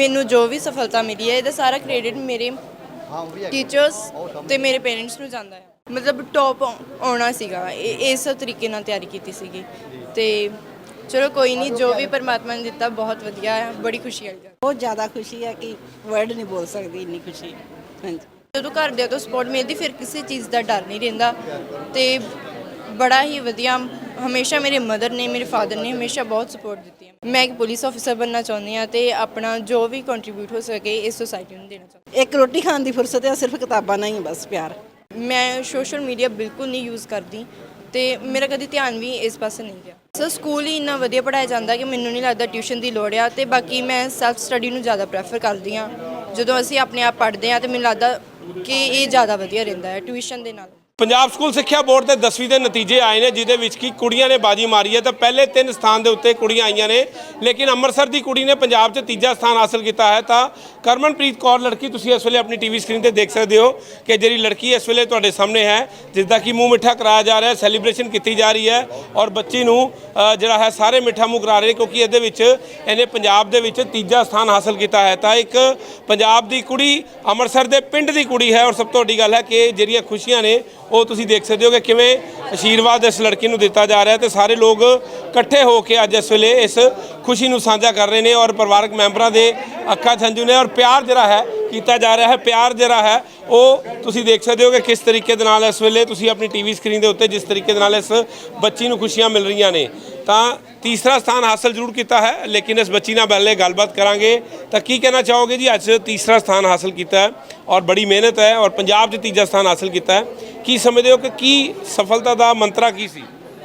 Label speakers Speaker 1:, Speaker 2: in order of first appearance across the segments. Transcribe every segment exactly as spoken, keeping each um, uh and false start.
Speaker 1: ਮੈਨੂੰ ਜੋ ਵੀ ਸਫਲਤਾ ਮਿਲੀ ਹੈ ਇਹਦਾ ਸਾਰਾ ਕ੍ਰੈਡਿਟ ਮੇਰੇ ਟੀਚਰਸ ਤੇ ਮੇਰੇ ਪੇਰੈਂਟਸ ਨੂੰ ਜਾਂਦਾ ਹੈ। ਮਤਲਬ ਟੌਪ ਆਉਣਾ ਸੀਗਾ, ਇਸ ਤਰੀਕੇ ਨਾਲ ਤਿਆਰੀ ਕੀਤੀ ਸੀਗੀ ਤੇ ਚਲੋ ਕੋਈ ਨਹੀਂ, ਜੋ ਵੀ ਪਰਮਾਤਮਾ ਨੇ ਦਿੱਤਾ ਬਹੁਤ ਵਧੀਆ ਹੈ, ਬੜੀ ਖੁਸ਼ੀ ਵਾਲੀ ਗੱਲ।
Speaker 2: ਬਹੁਤ ਜ਼ਿਆਦਾ ਖੁਸ਼ੀ ਹੈ ਕਿ ਵਰਡ ਨਹੀਂ ਬੋਲ ਸਕਦੀ, ਇੰਨੀ ਖੁਸ਼ੀ। ਹਾਂਜੀ,
Speaker 1: ਜਦੋਂ ਘਰਦਿਆਂ ਤੋਂ ਸਪੋਰਟ ਮਿਲਦੀ ਫਿਰ ਕਿਸੇ ਚੀਜ਼ ਦਾ ਡਰ ਨਹੀਂ ਰਹਿੰਦਾ ਤੇ ਬੜਾ ਹੀ ਵਧੀਆ। ਹਮੇਸ਼ਾ ਮੇਰੇ ਮਦਰ ਨੇ, ਮੇਰੇ ਫਾਦਰ ਨੇ ਹਮੇਸ਼ਾ ਬਹੁਤ ਸਪੋਰਟ ਦਿੱਤੀ ਹੈ। ਮੈਂ ਇੱਕ ਪੁਲਿਸ ਆਫਿਸਰ ਬਣਨਾ ਚਾਹੁੰਦੀ ਹਾਂ ਤੇ ਆਪਣਾ ਜੋ ਵੀ ਕੰਟਰੀਬਿਊਟ ਹੋ ਸਕੇ ਇਸ ਸੋਸਾਇਟੀ ਨੂੰ ਦੇਣਾ ਚਾਹੁੰਦੀ
Speaker 2: ਇੱਕ ਰੋਟੀ ਖਾਣ ਦੀ ਫੁਰਸਤ ਹੈ, ਸਿਰਫ ਕਿਤਾਬਾਂ ਨਾਲ ਹੀ ਬਸ ਪਿਆਰ।
Speaker 1: ਹਾਂ। ਮੈਂ ਸੋਸ਼ਲ ਮੀਡੀਆ ਬਿਲਕੁਲ ਨਹੀਂ ਯੂਜ਼ ਕਰਦੀ ਤੇ ਮੇਰਾ ਕਦੀ ਧਿਆਨ ਵੀ ਇਸ ਪਾਸੇ ਨਹੀਂ ਗਿਆ। ਸਰ ਸਕੂਲ ਹੀ ਇੰਨਾ ਵਧੀਆ ਪੜ੍ਹਾਇਆ ਜਾਂਦਾ ਕਿ ਮੈਨੂੰ ਨਹੀਂ ਲੱਗਦਾ ਟਿਊਸ਼ਨ ਦੀ ਲੋੜ ਆ ਤੇ ਬਾਕੀ ਮੈਂ ਸੈਲਫ ਸਟੱਡੀ ਨੂੰ ਜ਼ਿਆਦਾ ਪ੍ਰੈਫਰ ਕਰਦੀ ਹਾਂ। ਜਦੋਂ ਅਸੀਂ ਆਪਣੇ ਆਪ ਪੜ੍ਹਦੇ ਹਾਂ ਤੇ ਮੈਨੂੰ ਲੱਗਦਾ ਕਿ ਇਹ ਜ਼ਿਆਦਾ ਵਧੀਆ ਰਹਿੰਦਾ ਹੈ ਟਿਊਸ਼ਨ ਦੇ ਨਾਲ।
Speaker 3: ਪੰਜਾਬ ਸਕੂਲ ਸਿੱਖਿਆ ਬੋਰਡ ਦੇ ਦਸਵੀਂ ਦੇ ਨਤੀਜੇ ਆਏ ਨੇ, ਜਿਹਦੇ ਵਿੱਚ ਕਿ ਕੁੜੀਆਂ ਨੇ ਬਾਜੀ ਮਾਰੀ ਹੈ ਤਾਂ ਪਹਿਲੇ ਤਿੰਨ ਸਥਾਨ ਦੇ ਉੱਤੇ ਕੁੜੀਆਂ ਆਈਆਂ ਨੇ, ਲੇਕਿਨ ਅੰਮ੍ਰਿਤਸਰ ਦੀ ਕੁੜੀ ਨੇ ਪੰਜਾਬ 'ਚ ਤੀਜਾ ਸਥਾਨ ਹਾਸਲ ਕੀਤਾ ਹੈ। ਤਾਂ ਕਰਮਨਪ੍ਰੀਤ ਕੌਰ ਲੜਕੀ ਤੁਸੀਂ ਇਸ ਵੇਲੇ ਆਪਣੀ ਟੀਵੀ ਸਕਰੀਨ ਤੇ ਦੇਖ ਸਕਦੇ ਹੋ ਕਿ ਜਿਹੜੀ ਲੜਕੀ ਇਸ ਵੇਲੇ ਤੁਹਾਡੇ ਸਾਹਮਣੇ ਹੈ, ਜਿਸ ਦਾ ਕਿ ਮੂੰਹ ਮਿੱਠਾ ਕਰਾਇਆ ਜਾ ਰਿਹਾ, ਸੈਲੀਬ੍ਰੇਸ਼ਨ ਕੀਤੀ ਜਾ ਰਹੀ ਹੈ ਔਰ ਬੱਚੀ ਨੂੰ ਜਿਹੜਾ ਹੈ ਸਾਰੇ ਮਿੱਠਾ ਮੂੰਹ ਕਰਾ ਰਹੇ ਕਿਉਂਕਿ ਇਹਦੇ ਵਿੱਚ ਇਹਨੇ ਪੰਜਾਬ ਦੇ ਵਿੱਚ ਤੀਜਾ ਸਥਾਨ ਹਾਸਲ ਕੀਤਾ ਹੈ। ਤਾਂ ਇੱਕ ਪੰਜਾਬ ਦੀ ਕੁੜੀ ਅੰਮ੍ਰਿਤਸਰ ਦੇ ਪਿੰਡ ਦੀ ਕੁੜੀ ਹੈ ਔਰ ਸਭ ਤੋਂ ਵੱਡੀ ਗੱਲ ਹੈ ਕਿ ਜਿਹੜੀਆਂ ਖੁਸ਼ੀਆਂ ਨੇ ਉਹ ਤੁਸੀਂ ਦੇਖ ਸਕਦੇ ਹੋ ਕਿ ਕਿਵੇਂ ਆਸ਼ੀਰਵਾਦ ਇਸ ਲੜਕੀ ਨੂੰ ਦਿੱਤਾ ਜਾ ਰਿਹਾ ਤੇ ਸਾਰੇ ਲੋਕ ਇਕੱਠੇ ਹੋ ਕੇ ਅੱਜ ਇਸ ਵੇਲੇ ਇਸ ਖੁਸ਼ੀ ਨੂੰ ਸਾਂਝਾ ਕਰ ਰਹੇ ਨੇ ਔਰ ਪਰਿਵਾਰਕ ਮੈਂਬਰਾਂ ਦੇ ਅੱਖਾਂ 'ਚ ਹੰਝੂ ਨੇ ਔਰ ਪਿਆਰ ਜਿਹੜਾ ਹੈ ਕੀਤਾ ਜਾ ਰਿਹਾ ਹੈ। ਪਿਆਰ ਜਿਹੜਾ ਹੈ ਉਹ ਤੁਸੀਂ ਦੇਖ ਸਕਦੇ ਹੋ ਕਿ ਕਿਸ ਤਰੀਕੇ ਦੇ ਨਾਲ ਇਸ ਵੇਲੇ ਤੁਸੀਂ ਆਪਣੀ ਟੀਵੀ ਸਕਰੀਨ ਦੇ ਉੱਤੇ ਜਿਸ ਤਰੀਕੇ ਦੇ ਨਾਲ ਇਸ ਬੱਚੀ ਨੂੰ ਖੁਸ਼ੀਆਂ ਮਿਲ ਰਹੀਆਂ ਨੇ। ਤਾਂ ਤੀਸਰਾ ਸਥਾਨ ਹਾਸਲ ਜ਼ਰੂਰ ਕੀਤਾ ਹੈ, ਲੇਕਿਨ ਇਸ ਬੱਚੀ ਨਾਲ ਪਹਿਲੇ ਗੱਲਬਾਤ ਕਰਾਂਗੇ। ਤਾਂ ਕੀ ਕਹਿਣਾ ਚਾਹੋਗੇ ਜੀ, ਅੱਜ ਤੀਸਰਾ ਸਥਾਨ ਹਾਸਲ ਕੀਤਾ ਹੈ ਔਰ ਬੜੀ ਮਿਹਨਤ ਹੈ ਔਰ ਪੰਜਾਬ 'ਚ ਤੀਜਾ ਸਥਾਨ ਹਾਸਲ ਕੀਤਾ ਹੈ, ਕੀ ਸਮਝਦੇ ਹੋ ਕਿ ਕੀ ਸਫਲਤਾ ਦਾ ਮੰਤਰਾ ਕੀ ਸੀ?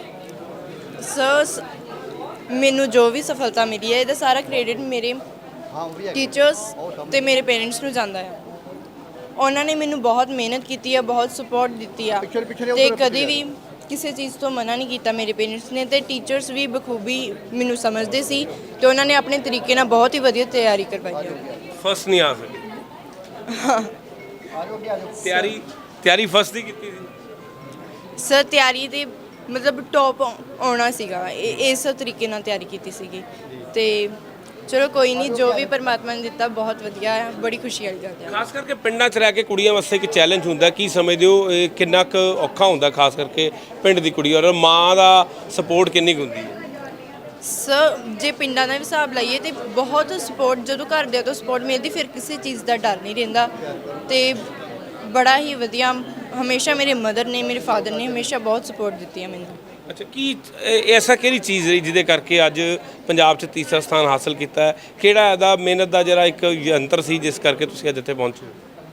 Speaker 1: ਸਰ ਮੈਨੂੰ ਜੋ ਵੀ ਸਫਲਤਾ ਮਿਲੀ ਹੈ ਇਹਦਾ ਸਾਰਾ ਕ੍ਰੈਡਿਟ ਮੇਰੇ ਟੀਚਰਸ ਤੇ ਮੇਰੇ ਪੇਰੈਂਟਸ ਨੂੰ ਜਾਂਦਾ ਹੈ। ਉਹਨਾਂ ਨੇ ਮੈਨੂੰ ਬਹੁਤ ਮਿਹਨਤ ਕੀਤੀ ਹੈ, ਬਹੁਤ ਸਪੋਰਟ ਦਿੱਤੀ ਆ ਤੇ ਕਦੇ ਵੀ ਕਿਸੇ ਚੀਜ਼ ਤੋਂ ਮਨਾ ਨਹੀਂ ਕੀਤਾ ਮੇਰੇ ਪੇਰੈਂਟਸ ਨੇ ਤੇ ਟੀਚਰਸ ਵੀ ਬਖੂਬੀ ਮੈਨੂੰ ਸਮਝਦੇ ਸੀ ਤੇ ਉਹਨਾਂ ਨੇ ਆਪਣੇ ਤਰੀਕੇ ਨਾਲ ਬਹੁਤ ਹੀ ਵਧੀਆ ਤਿਆਰੀ ਕਰਵਾਈ ਹੈ।
Speaker 3: ਫਸਟ ਨਹੀਂ ਆ ਸਕੀ? ਤਿਆਰੀ ਤਿਆਰੀ ਫਸਟ ਦੀ ਕੀਤੀ ਸੀ
Speaker 1: ਸਰ? ਤਿਆਰੀ ਦੇ ਮਤਲਬ ਟੌਪ ਆਉਣਾ ਸੀਗਾ, ਇਸ ਤਰੀਕੇ ਨਾਲ ਤਿਆਰੀ ਕੀਤੀ ਸੀਗੀ ਤੇ ਚਲੋ ਕੋਈ ਨਹੀਂ, ਜੋ ਵੀ ਪਰਮਾਤਮਾ ਨੇ ਦਿੱਤਾ ਬਹੁਤ ਵਧੀਆ ਹੈ, ਬੜੀ ਖੁਸ਼ੀ ਵਾਲੀ ਗੱਲ ਹੈ।
Speaker 3: ਖਾਸ ਕਰਕੇ ਪਿੰਡਾਂ 'ਚ ਰਹਿ ਕੇ ਕੁੜੀਆਂ ਵਾਸਤੇ ਇੱਕ ਚੈਲੰਜ ਹੁੰਦਾ, ਕੀ ਸਮਝਦੇ ਹੋ ਇਹ ਕਿੰਨਾ ਕੁ ਔਖਾ ਹੁੰਦਾ ਖਾਸ ਕਰਕੇ ਪਿੰਡ ਦੀ ਕੁੜੀ ਔਰ ਮਾਂ ਦਾ ਸਪੋਰਟ ਕਿੰਨੀ ਕੁ ਹੁੰਦੀ ਹੈ?
Speaker 1: ਸਰ ਜੇ ਪਿੰਡਾਂ ਦਾ ਵੀ ਹਿਸਾਬ ਲਾਈਏ ਤੇ ਬਹੁਤ ਸਪੋਰਟ, ਜਦੋਂ ਘਰਦਿਆਂ ਤੋਂ ਸਪੋਰਟ ਮਿਲਦੀ ਫਿਰ ਕਿਸੇ ਚੀਜ਼ ਦਾ ਡਰ ਨਹੀਂ ਰਹਿੰਦਾ ਤੇ ਬੜਾ ਹੀ ਵਧੀਆ। ਹਮੇਸ਼ਾ ਮੇਰੇ ਮਦਰ ਨੇ, ਮੇਰੇ ਫਾਦਰ ਨੇ ਹਮੇਸ਼ਾ ਬਹੁਤ ਸਪੋਰਟ ਦਿੱਤੀ ਹੈ ਮੈਨੂੰ।
Speaker 3: ਅੱਛਾ, ਕੀ ਐਸਾ ਕਿਹੜੀ ਚੀਜ਼ ਰਹੀ ਜਿਹਦੇ ਕਰਕੇ ਅੱਜ ਪੰਜਾਬ 'ਚ ਤੀਸਰਾ ਸਥਾਨ ਹਾਸਲ ਕੀਤਾ ਹੈ? ਕਿਹੜਾ ਇਹਦਾ ਮਿਹਨਤ ਦਾ ਜਿਹੜਾ ਇੱਕ ਯੰਤਰ ਸੀ ਜਿਸ ਕਰਕੇ ਤੁਸੀਂ ਅੱਜ ਇੱਥੇ ਪਹੁੰਚੇ?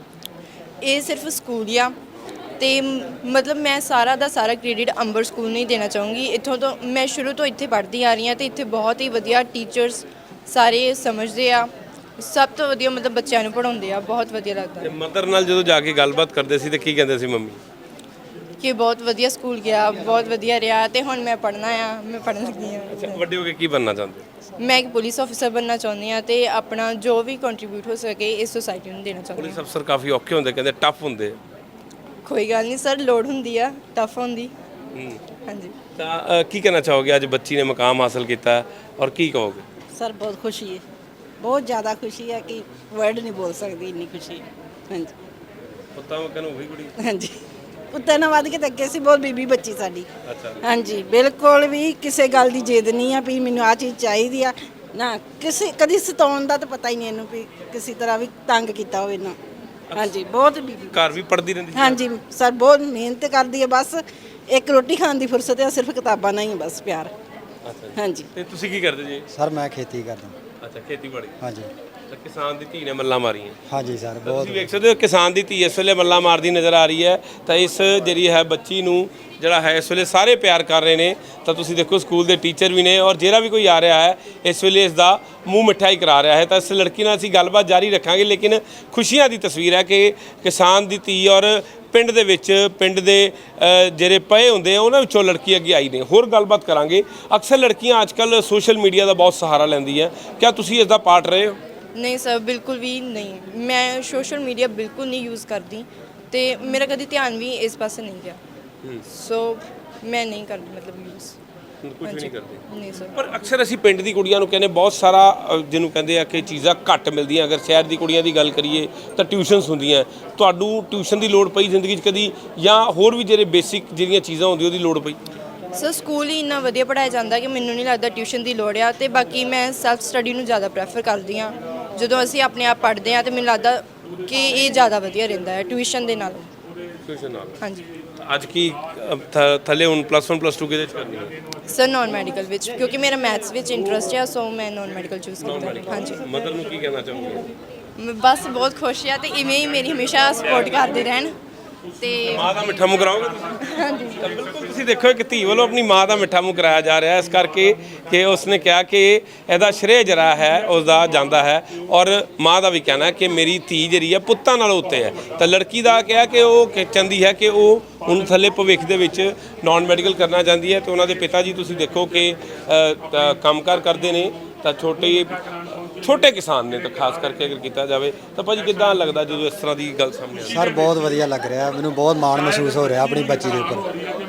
Speaker 1: ਇਹ ਸਿਰਫ ਸਕੂਲ ਆ ਤੇ ਮਤਲਬ ਮੈਂ ਸਾਰਾ ਦਾ ਸਾਰਾ ਕ੍ਰੈਡਿਟ ਅੰਬਰ ਸਕੂਲ ਨੂੰ ਹੀ ਦੇਣਾ ਚਾਹੂੰਗੀ। ਇੱਥੋਂ ਤੋਂ ਮੈਂ ਸ਼ੁਰੂ ਤੋਂ ਇੱਥੇ ਪੜ੍ਹਦੀ ਆ ਰਹੀ ਹਾਂ ਤੇ ਇੱਥੇ ਬਹੁਤ ਹੀ ਵਧੀਆ ਟੀਚਰਸ ਸਾਰੇ ਸਮਝਦੇ ਆ, ਸਭ ਤੋਂ ਵਧੀਆ ਮਤਲਬ ਬੱਚਿਆਂ ਨੂੰ ਪੜ੍ਹਾਉਂਦੇ ਆ, ਬਹੁਤ ਵਧੀਆ ਲੱਗਦਾ।
Speaker 3: ਤੇ ਮਦਰ ਨਾਲ ਜਦੋਂ ਜਾ ਕੇ ਗੱਲਬਾਤ ਕਰਦੇ ਸੀ ਤੇ ਕੀ ਕਹਿੰਦੇ ਸੀ ਮੰਮੀ?
Speaker 1: ਕਿ ਬਹੁਤ ਵਧੀਆ ਸਕੂਲ ਗਿਆ, ਬਹੁਤ ਵਧੀਆ ਰਿਹਾ ਤੇ ਹੁਣ ਮੈਂ ਪੜ੍ਹਨਾ ਆ, ਮੈਂ ਪੜ੍ਹਨ ਲੱਗੀ ਹਾਂ।
Speaker 3: ਅੱਛਾ, ਵੱਡੇ ਹੋ ਕੇ ਕੀ ਬਣਨਾ ਚਾਹੁੰਦੇ?
Speaker 1: ਮੈਂ ਇੱਕ ਪੁਲਿਸ ਆਫਿਸਰ ਬਣਨਾ ਚਾਹੁੰਦੀ ਹਾਂ ਤੇ ਆਪਣਾ ਜੋ ਵੀ ਕੰਟਰੀਬਿਊਟ ਹੋ ਸਕੇ ਇਸ ਸੋਸਾਇਟੀ ਨੂੰ ਦੇਣਾ ਚਾਹੁੰਦੀ
Speaker 3: ਪੁਲਿਸ ਅਫਸਰ ਕਾਫੀ ਔਖੇ ਹੁੰਦੇ, ਕਹਿੰਦੇ ਟਫ ਹੁੰਦੇ।
Speaker 1: ਕੋਈ ਗੱਲ ਨਹੀਂ ਸਰ, ਲੋੜ ਹੁੰਦੀ ਆ, ਟਫ ਹੁੰਦੀ। ਹਾਂਜੀ,
Speaker 3: ਤਾਂ ਕੀ ਕਹਿਣਾ ਚਾਹੋਗੇ, ਅੱਜ ਬੱਚੀ ਨੇ ਮੁਕਾਮ ਹਾਸਲ ਕੀਤਾ ਔਰ ਕੀ ਕਹੋਗੇ?
Speaker 2: ਸਰ ਬਹੁਤ ਖੁਸ਼ੀ ਹੈ, ਬਹੁਤ ਜ਼ਿਆਦਾ ਖੁਸ਼ੀ ਹੈ ਕਿ ਵਰਡ ਨਹੀਂ ਬੋਲ ਸਕਦੀ, ਇੰਨੀ ਖੁਸ਼ੀ। ਹਾਂਜੀ,
Speaker 3: ਪੁੱਤਾਂ ਵਾਂਗ ਨੂੰ ਹੋਈ ਕੁੜੀ?
Speaker 2: ਹਾਂਜੀ, ਪੁੱਤਾਂ ਨਾਲ ਵੱਧ ਕੇ ਤਾਂ ਅੱਗੇ ਸੀ, ਬਹੁਤ ਬੀਬੀ ਬੱਚੀ ਸਾਡੀ।
Speaker 3: ਅੱਛਾ,
Speaker 2: ਹਾਂਜੀ, ਬਿਲਕੁਲ ਵੀ ਕਿਸੇ ਗੱਲ ਦੀ ਜਿੱਦ ਨਹੀਂ ਆ ਵੀ ਮੈਨੂੰ ਆਹ ਚੀਜ਼ ਚਾਹੀਦੀ ਆ ਨਾ, ਕਿਸੇ ਕਦੀ ਸਤਾਉਣ ਦਾ ਤਾਂ ਪਤਾ ਹੀ ਨਹੀਂ ਇਹਨੂੰ ਵੀ ਕਿਸੇ ਤਰ੍ਹਾਂ ਵੀ ਤੰਗ ਕੀਤਾ ਹੋਵੇ ਨਾ। ਹਾਂਜੀ, ਬਹੁਤ ਬੀਬੀ
Speaker 3: ਘਰ ਵੀ ਪੜ੍ਹਦੀ ਰਹਿੰਦੀ ਸੀ?
Speaker 2: ਹਾਂਜੀ ਸਰ, ਬਹੁਤ ਮਿਹਨਤ ਕਰਦੀ ਹੈ, ਬਸ ਇੱਕ ਰੋਟੀ ਖਾਣ ਦੀ ਫੁਰਸਤ ਹੈ, ਸਿਰਫ ਕਿਤਾਬਾਂ ਨਾਲ ਹੀ ਬਸ ਪਿਆਰ।
Speaker 3: ਅੱਛਾ,
Speaker 2: ਹਾਂਜੀ।
Speaker 3: ਤੇ ਤੁਸੀਂ ਕੀ ਕਰਦੇ ਜੀ?
Speaker 4: ਸਰ ਮੈਂ ਖੇਤੀ ਕਰਦਾ।
Speaker 3: ਅੱਛਾ, ਖੇਤੀਬਾੜੀ।
Speaker 4: ਹਾਂਜੀ
Speaker 3: ਤਾਂ ਕਿਸਾਨ ਦੀ ਧੀ ਨੇ ਮੱਲਾਂ ਮਾਰੀਆਂ।
Speaker 4: ਹਾਂਜੀ ਸਰ, ਬਹੁਤ
Speaker 3: ਤੁਸੀਂ ਵੇਖ ਸਕਦੇ ਹੋ ਕਿਸਾਨ ਦੀ ਧੀ ਇਸ ਵੇਲੇ ਮੱਲਾਂ ਮਾਰਦੀ ਨਜ਼ਰ ਆ ਰਹੀ ਹੈ। ਤਾਂ ਇਸ ਜਿਹੜੀ ਹੈ ਬੱਚੀ ਨੂੰ ਜਿਹੜਾ ਹੈ ਇਸ ਵੇਲੇ ਸਾਰੇ ਪਿਆਰ ਕਰ ਰਹੇ ਨੇ। ਤਾਂ ਤੁਸੀਂ ਦੇਖੋ ਸਕੂਲ ਦੇ ਟੀਚਰ ਵੀ ਨੇ ਔਰ ਜਿਹੜਾ ਵੀ ਕੋਈ ਆ ਰਿਹਾ ਹੈ ਇਸ ਵੇਲੇ ਇਸ ਦਾ ਮੂੰਹ ਮਿੱਠਾ ਹੀ ਕਰਾ ਰਿਹਾ ਹੈ। ਤਾਂ ਇਸ ਲੜਕੀ ਨਾਲ ਅਸੀਂ ਗੱਲਬਾਤ ਜਾਰੀ ਰੱਖਾਂਗੇ, ਲੇਕਿਨ ਖੁਸ਼ੀਆਂ ਦੀ ਤਸਵੀਰ ਹੈ ਕਿ ਕਿਸਾਨ ਦੀ ਧੀ ਔਰ ਪਿੰਡ ਦੇ ਵਿੱਚ ਪਿੰਡ ਦੇ ਜਿਹੜੇ ਪਏ ਹੁੰਦੇ ਆ ਉਹਨਾਂ ਵਿੱਚੋਂ ਲੜਕੀ ਅੱਗੇ ਆਈ ਨੇ। ਹੋਰ ਗੱਲਬਾਤ ਕਰਾਂਗੇ। ਅਕਸਰ ਲੜਕੀਆਂ ਅੱਜ ਕੱਲ੍ਹ ਸੋਸ਼ਲ ਮੀਡੀਆ ਦਾ ਬਹੁਤ ਸਹਾਰਾ ਲੈਂਦੀਆਂ, ਕਿਆ ਤੁਸੀਂ ਇਸ ਦਾ ਪਾਰਟ ਰਹੇ ਹੋ?
Speaker 1: ਨਹੀਂ ਸਰ, ਬਿਲਕੁਲ ਵੀ ਨਹੀਂ। ਮੈਂ ਸੋਸ਼ਲ ਮੀਡੀਆ ਬਿਲਕੁਲ ਨਹੀਂ ਯੂਜ਼ ਕਰਦੀ ਤੇ ਮੇਰਾ ਕਦੀ ਧਿਆਨ ਵੀ ਇਸ ਪਾਸੇ ਨਹੀਂ ਗਿਆ, ਸੋ ਮੈਂ ਨਹੀਂ ਕਰਦੀ ਮਤਲਬ ਯੂਜ਼।
Speaker 3: ਕੁਝ ਨਹੀਂ ਕਰਦੇ
Speaker 1: ਨਹੀਂ ਸਰ।
Speaker 3: ਪਰ ਅਕਸਰ ਅਸੀਂ ਪਿੰਡ ਦੀ ਕੁੜੀਆਂ ਨੂੰ ਕਹਿੰਦੇ ਬਹੁਤ ਸਾਰਾ ਅ, ਜਿਹਨੂੰ ਕਹਿੰਦੇ ਆ ਕਿ ਚੀਜ਼ਾਂ ਘੱਟ ਮਿਲਦੀਆਂ। ਅਗਰ ਸ਼ਹਿਰ ਦੀ ਕੁੜੀਆਂ ਦੀ ਗੱਲ ਕਰੀਏ ਤਾਂ ਟਿਊਸ਼ਨਸ ਹੁੰਦੀਆਂ। ਤੁਹਾਨੂੰ ਟਿਊਸ਼ਨ ਦੀ ਲੋੜ ਪਈ ਜ਼ਿੰਦਗੀ 'ਚ ਕਦੀ, ਜਾਂ ਹੋਰ ਵੀ ਜਿਹੜੇ ਬੇਸਿਕ ਜਿਹੜੀਆਂ ਚੀਜ਼ਾਂ ਹੁੰਦੀਆਂ ਉਹਦੀ ਲੋੜ ਪਈ?
Speaker 1: ਸਰ ਸਕੂਲ ਹੀ ਇੰਨਾ ਵਧੀਆ ਪੜ੍ਹਾਇਆ ਜਾਂਦਾ ਕਿ ਮੈਨੂੰ ਨਹੀਂ ਲੱਗਦਾ ਟਿਊਸ਼ਨ ਦੀ ਲੋੜ ਆ। ਤੇ ਬਾਕੀ ਮੈਂ ਸੈਲਫ ਸਟੱਡੀ ਨੂੰ ਜ਼ਿਆਦਾ ਪ੍ਰੈਫਰ ਕਰਦੀ ਹਾਂ। ਜਦੋਂ ਅਸੀਂ ਆਪਣੇ ਆਪ ਪੜ੍ਹਦੇ ਹਾਂ ਤੇ ਮੈਨੂੰ ਲੱਗਦਾ ਕਿ ਇਹ ਜ਼ਿਆਦਾ ਵਧੀਆ ਰਹਿੰਦਾ ਹੈ ਟਿਊਸ਼ਨ ਦੇ ਨਾਲ।
Speaker 3: ਟਿਊਸ਼ਨ ਨਾਲ?
Speaker 1: ਹਾਂਜੀ
Speaker 3: ਅੱਜ ਕੀ ਅ, ਥ- ਥੱਲੇ ਹੁਣ ਪਲੱਸ ਵਨ ਪਲੱਸ ਟੂ ਕਿਹਦੇ 'ਚ ਕਰਨੀ ਹੈ?
Speaker 1: ਸਰ ਨਾਨ ਮੈਡੀਕਲ ਵਿੱਚ, ਕਿਉਂਕਿ ਮੇਰਾ ਮੈਥਸ ਵਿੱਚ ਇੰਟਰਸਟ ਆ, ਸੋ ਮੈਂ ਨਾਨ ਮੈਡੀਕਲ ਚੂਜ਼ ਕੀਤਾ। ਹਾਂਜੀ
Speaker 3: ਮਦਰ ਨੂੰ ਕੀ ਕਹਿਣਾ ਚਾਹੋਗੇ?
Speaker 1: ਮੈਂ ਬਸ ਬਹੁਤ ਖੁਸ਼ ਆ ਤੇ ਇਵੇਂ ਹੀ ਮੇਰੀ ਹਮੇਸ਼ਾ ਸਪੋਰਟ ਕਰਦੇ ਰਹਿਣ। ਤੇ
Speaker 3: ਮਾਂ ਦਾ ਮਿੱਠਾ ਮੂੰਹ ਕਰਾਓਗੇ ਤੁਸੀਂ? ਹਾਂਜੀ ਬਿਲਕੁਲ। ਤੁਸੀਂ ਦੇਖੋ ਇੱਕ ਧੀ ਵੱਲੋਂ ਆਪਣੀ ਮਾਂ ਦਾ ਮਿੱਠਾ ਮੂੰਹ ਕਰਾਇਆ ਜਾ ਰਿਹਾ, ਇਸ ਕਰਕੇ ਕਿ ਉਸਨੇ ਕਿਹਾ ਕਿ ਇਹਦਾ ਸ਼੍ਰੇਅ ਜਿਹੜਾ ਹੈ ਉਸਦਾ ਜਾਂਦਾ ਹੈ। ਔਰ ਮਾਂ ਦਾ ਵੀ ਕਹਿਣਾ ਹੈ ਕਿ ਮੇਰੀ ਧੀ ਜਿਹੜੀ ਹੈ ਪੁੱਤਾਂ ਨਾਲੋਂ ਉੱਤੇ ਹੈ। ਤਾਂ ਲੜਕੀ ਦਾ ਕਿਹਾ ਕਿ ਉਹ ਕਿ ਚਾਹੁੰਦੀ ਹੈ ਕਿ ਉਹ ਹੁਣ ਥੱਲੇ ਭਵਿੱਖ ਦੇ ਵਿੱਚ ਨਾਨ ਮੈਡੀਕਲ ਕਰਨਾ ਚਾਹੁੰਦੀ ਹੈ। ਤੇ ਉਹਨਾਂ ਦੇ ਪਿਤਾ ਜੀ ਤੁਸੀਂ ਦੇਖੋ ਕਿ ਅ, ਤਾਂ ਕੰਮਕਾਰ ਕਰਦੇ ਨੇ, ਤਾਂ ਛੋਟੇ ਛੋਟੇ ਕਿਸਾਨ ਨੇ। ਤਾਂ ਖਾਸ ਕਰਕੇ ਅਗਰ ਕੀਤਾ ਜਾਵੇ ਤਾਂ ਭਾਜੀ ਕਿੱਦਾਂ ਲੱਗਦਾ ਜਦੋਂ ਇਸ ਤਰ੍ਹਾਂ ਦੀ ਗੱਲ ਸਾਹਮਣੇ ਆਉਂਦੀ?
Speaker 4: ਸਰ ਬਹੁਤ ਵਧੀਆ ਲੱਗ ਰਿਹਾ, ਮੈਨੂੰ ਬਹੁਤ ਮਾਣ ਮਹਿਸੂਸ ਹੋ ਰਿਹਾ ਆਪਣੀ ਬੱਚੀ ਦੇ ਉੱਪਰ,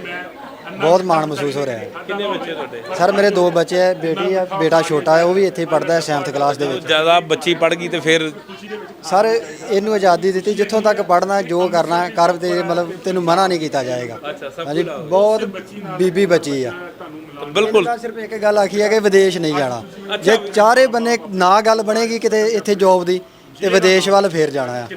Speaker 4: ਬਹੁਤ ਮਾਣ ਮਹਿਸੂਸ ਹੋ ਰਿਹਾ ਹੈ।
Speaker 3: ਕਿੰਨੇ ਬੱਚੇ ਤੁਹਾਡੇ?
Speaker 4: ਸਰ ਮੇਰੇ ਦੋ ਬੱਚੇ ਹੈ, ਬੇਟੀ ਹੈ, ਬੇਟਾ ਛੋਟਾ ਹੈ, ਉਹ ਵੀ ਇੱਥੇ ਪੜ੍ਹਦਾ ਹੈ ਸੈਵਨਥ ਕਲਾਸ ਦੇ ਵਿੱਚ।
Speaker 3: ਜ਼ਿਆਦਾ ਬੱਚੀ ਪੜ੍ਹ ਗਈ ਤੇ ਫਿਰ
Speaker 4: ਸਰ ਇਹਨੂੰ ਆਜ਼ਾਦੀ ਦਿੱਤੀ, ਜਿੱਥੋਂ ਤੱਕ ਪੜ੍ਹਨਾ ਜੋ ਕਰਨਾ ਕਰ, ਤੇ ਮਤਲਬ ਤੈਨੂੰ ਮਨਾ ਨਹੀਂ ਕੀਤਾ ਜਾਏਗਾ।
Speaker 3: ਅੱਛਾ, ਸਭ
Speaker 4: ਹਾਂਜੀ ਬਹੁਤ ਬੀਬੀ ਬੱਚੀ ਆ।
Speaker 3: ਬਿਲਕੁਲ।
Speaker 4: ਤਾਂ ਸਿਰਫ ਇੱਕ ਗੱਲ ਆਖੀ ਹੈ ਕਿ ਵਿਦੇਸ਼ ਨਹੀਂ ਜਾਣਾ। ਜੇ ਚਾਰੇ ਬੰਨੇ ਨਾ ਗੱਲ ਬਣੇਗੀ ਕਿਤੇ ਇੱਥੇ ਜੋਬ ਦੀ, ਤੇ ਵਿਦੇਸ਼ ਵੱਲ ਫੇਰ ਜਾਣਾ ਆ।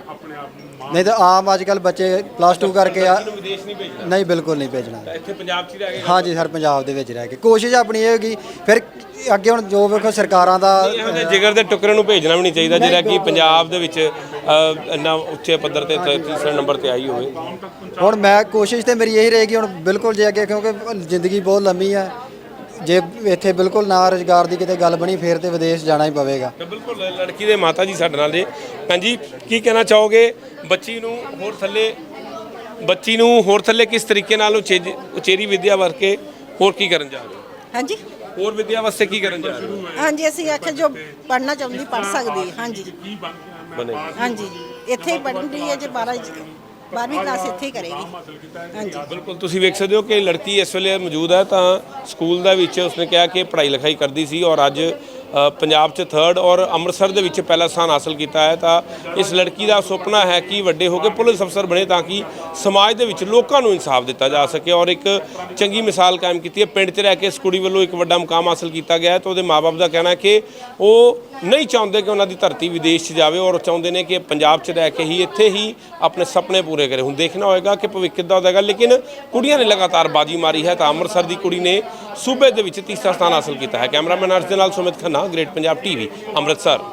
Speaker 4: ਨਹੀਂ ਤਾਂ ਆਮ ਅੱਜ ਕੱਲ ਬੱਚੇ ਪਲੱਸ ਟੂ ਕਰਕੇ ਆ,
Speaker 3: ਵਿਦੇਸ਼ ਨਹੀਂ ਭੇਜਣਾ?
Speaker 4: ਨਹੀਂ ਬਿਲਕੁਲ ਨਹੀਂ ਭੇਜਣਾ।
Speaker 3: ਇੱਥੇ ਪੰਜਾਬ 'ਚ ਹੀ ਰਹਿ ਗਏ?
Speaker 4: ਹਾਂਜੀ ਸਰ ਪੰਜਾਬ ਦੇ ਵਿੱਚ ਰਹਿ ਕੇ ਕੋਸ਼ਿਸ਼ ਆਪਣੀ ਇਹ ਹੋਗੀ। ਫਿਰ ਅੱਗੇ ਹੁਣ ਜੋ ਵੇਖੋ ਸਰਕਾਰਾਂ ਦਾ
Speaker 3: ਇਹੋ ਜਿਹੇ ਜਿਗਰ ਦੇ ਟੁਕੜੇ ਨੂੰ ਭੇਜਣਾ ਵੀ ਨਹੀਂ ਚਾਹੀਦਾ ਜਿਹੜਾ ਕਿ ਪੰਜਾਬ ਦੇ ਵਿੱਚ ਅ, ਇੰਨਾ ਉੱਚੇ ਪੱਧਰ ਤੇ ਤ- ਤੀਸਰੇ ਨੰਬਰ ਤੇ ਆਈ ਹੋਵੇ।
Speaker 4: ਹੁਣ ਮੈਂ ਕੋਸ਼ਿਸ਼ ਤੇ ਮੇਰੀ ਇਹੀ ਰਹੇਗੀ ਹੁਣ ਬਿਲਕੁਲ, ਜੇ ਅੱਗੇ ਕਿਉਂਕਿ ਜ਼ਿੰਦਗੀ ਬਹੁਤ ਲੰਮੀ ਆ, ਜੇ ਇੱਥੇ ਬਿਲਕੁਲ ਨਾ ਰੁਜ਼ਗਾਰ ਦੀ ਕਿਤੇ ਗੱਲ ਬਣੀ ਫੇਰ ਤੇ ਵਿਦੇਸ਼ ਜਾਣਾ ਹੀ ਪਵੇਗਾ।
Speaker 3: ਤਾਂ ਬਿਲਕੁਲ ਲੜਕੀ ਦੇ ਮਾਤਾ ਜੀ ਸਾਡੇ ਨਾਲ ਨੇ। ਭੈਣ ਜੀ ਕੀ ਕਹਿਣਾ ਚਾਹੋਗੇ? ਬੱਚੀ ਨੂੰ ਹੋਰ ਥੱਲੇ ਬੱਚੀ ਨੂੰ ਹੋਰ ਥੱਲੇ ਕਿਸ ਤਰੀਕੇ ਨਾਲ ਉਚੇ ਉਚੇਰੀ ਵਿੱਦਿਆ ਵਰਕੇ ਹੋਰ ਕੀ ਕਰਨ ਜਾ ਰਹੇ ਹੋ?
Speaker 2: ਹਾਂਜੀ
Speaker 3: ਹੋਰ ਵਿੱਦਿਆ ਵਾਸਤੇ ਕੀ ਕਰਨ ਜਾ ਰਹੇ ਹੋ?
Speaker 2: ਹਾਂਜੀ ਅਸੀਂ ਆਖਿਆ ਜੋ ਪੜ੍ਹਨਾ ਚਾਹੁੰਦੀ ਪੜ੍ਹ ਸਕਦੀ ਹੈ। ਹਾਂਜੀ
Speaker 3: ਬਣੇ
Speaker 2: ਹਾਂਜੀ ਇੱਥੇ ਹੀ ਪੜ੍ਹਦੀ ਹੈ, ਜੇ ਬਾਰਾਂ ਬਾਰ੍ਹਵੀਂ ਕਲਾਸ ਇੱਥੇ ਹੀ ਕਰੇਗੀ। ਹਾਂਜੀ
Speaker 3: ਬਿਲਕੁਲ ਤੁਸੀਂ ਵੇਖ ਸਕਦੇ ਹੋ ਕਿ ਲੜਕੀ ਇਸ ਵੇਲੇ ਮੌਜੂਦ ਹੈ ਤਾਂ ਸਕੂਲ ਦੇ ਵਿੱਚ ਉਸਨੇ ਕਿਹਾ ਕਿ ਪੜ੍ਹਾਈ ਲਿਖਾਈ ਕਰਦੀ ਸੀ ਔਰ ਅੱਜ ਅ, ਪੰਜਾਬ 'ਚ ਥਰਡ ਔਰ ਅੰਮ੍ਰਿਤਸਰ ਦੇ ਵਿੱਚ ਪਹਿਲਾ ਸਥਾਨ ਹਾਸਲ ਕੀਤਾ ਹੈ। ਤਾਂ ਇਸ ਲੜਕੀ ਦਾ ਸੁਪਨਾ ਹੈ ਕਿ ਵੱਡੇ ਹੋ ਕੇ ਪੁਲਿਸ ਅਫਸਰ ਬਣੇ ਤਾਂ ਕਿ ਸਮਾਜ ਦੇ ਵਿੱਚ ਲੋਕਾਂ ਨੂੰ ਇਨਸਾਫ ਦਿੱਤਾ ਜਾ ਸਕੇ। ਔਰ ਇੱਕ ਚੰਗੀ ਮਿਸਾਲ ਕਾਇਮ ਕੀਤੀ ਹੈ। ਪਿੰਡ 'ਚ ਰਹਿ ਕੇ ਇਸ ਕੁੜੀ ਵੱਲੋਂ ਇੱਕ ਵੱਡਾ ਮੁਕਾਮ ਹਾਸਲ ਕੀਤਾ ਗਿਆ ਹੈ। ਤਾਂ ਉਹਦੇ ਮਾਪੇ ਦਾ ਕਹਿਣਾ ਹੈ ਕਿ ਉਹ ਨਹੀਂ ਚਾਹੁੰਦੇ ਕਿ ਉਹਨਾਂ ਦੀ ਧਰਤੀ ਵਿਦੇਸ਼ 'ਚ ਜਾਵੇ ਔਰ ਚਾਹੁੰਦੇ ਨੇ ਕਿ ਪੰਜਾਬ 'ਚ ਰਹਿ ਕੇ ਹੀ ਇੱਥੇ ਹੀ ਆਪਣੇ ਸੁਪਨੇ ਪੂਰੇ ਕਰੇ। ਹੁਣ ਦੇਖਣਾ ਹੋਏਗਾ ਕਿ ਭਵਿੱਖ ਕਿੱਦਾਂ ਹੋਵੇਗਾ, ਲੇਕਿਨ ਕੁੜੀਆਂ ਨੇ ਲਗਾਤਾਰ ਬਾਜੀ ਮਾਰੀ ਹੈ। ਤਾਂ ਅੰਮ੍ਰਿਤਸਰ ਦੀ ਕੁੜੀ ਨੇ ਸੂਬੇ ਦੇ ਵਿੱਚ ਤੀਸਰਾ ਸਥਾਨ ਹਾਸਲ ਕੀਤਾ ਹੈ। ਕੈਮਰਾਮੈਨ ਅਰਸ਼ ਦੇ ਨਾਲ ਸੁਮਿਤ ਖੰਨਾ, ਗ੍ਰੇਟ ਪੰਜਾਬ ਟੀਵੀ, ਅੰਮ੍ਰਿਤਸਰ।